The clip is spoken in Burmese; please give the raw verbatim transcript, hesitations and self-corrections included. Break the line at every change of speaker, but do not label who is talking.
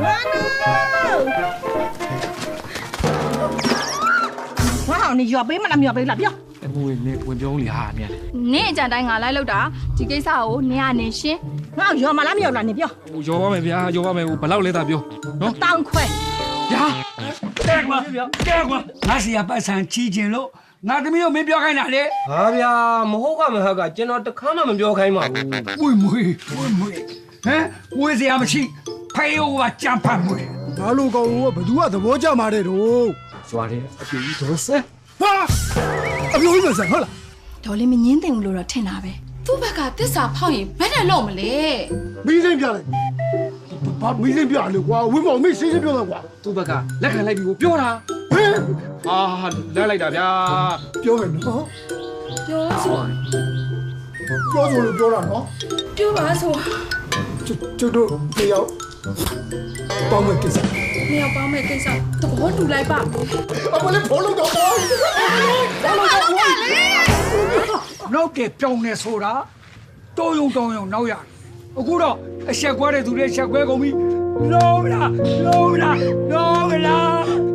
哇，你要背吗？那要背了，不要。
မွေနေဝင်ပြောလေဟာမြန်
နင့်အကြံတိုင်းငါလိုက်လောက်တာဒီကိစ္စကိုနင်ကနေရှင်း
我要嘛，那要了，你不要。
ဟိုရောပါမယ်ဗျာရောပါမယ်ဟိုဘလောက်လဲတာပြောနော်
当亏。
ဗျာတဲ့ကွာတဲ့ကွာ
ငါစီကပတ်စံချီကျင်လို့ငါသမီးတို့မင်းပြောခိုင်းတာလေ
ဟာဗျာမဟုတ်ကမဟုတ်ကကျွန်တော်တခါမှမပြောခိုင်းပါဘူး
မွေမွေမွေမွေဟမ်မွေစရာမရှိဖေးဦးကကြံဖတ်မွေ
ဘာလို့ကောင်ကဘသူကသဘောကျမှာတဲ့တော့
ဇွာတယ်အပြေကြီးဒေါ်ဆဲ
ဟာအပြိုးကြီးမဆန်ဟုတ်လား
ဒေါ်လေးမငင်းသိဘူးလို့တော့ထင်တာပဲသူ့ဘက်ကတစ္ဆာဖောက်ရင်ဘယ်နဲ့လို့မလဲ
မီးစိမ့်ပြလိုက်ဘာမီးစိမ့်ပြလေကွာဝင်းမောင်မင်းရှင်းရှင်းပြောတော့ကွာ
သူ့ဘက်ကလက်ခံလိုက်ပြီကိုပြောတာ
ဟဲ့
အာလက်လိုက်တာဗျာ
ပြောမယ်နော်
ပြောဆို
ပြောဆိုလို့ပြောတာနော်
ပြောပါဆို
ကျတို့တယောက်ပေါင်းမဲ့ကိစ္စ
နေရာပေါင်းမဲ့ကိစ္စသဘောတူလိုက်ပါ
အမလေးဖိုးလို့တော့ဘောဘောလို့တော့ဘော
နောက်ကပြောင်းနေဆိုတာတိုးယုံတောင်းယုံနောက်ရအခုတော့အဆက်ကွဲတဲ့သူတွေဆက်ကွဲကုန်ပြီလုံးလားလုံးလားလုံးလား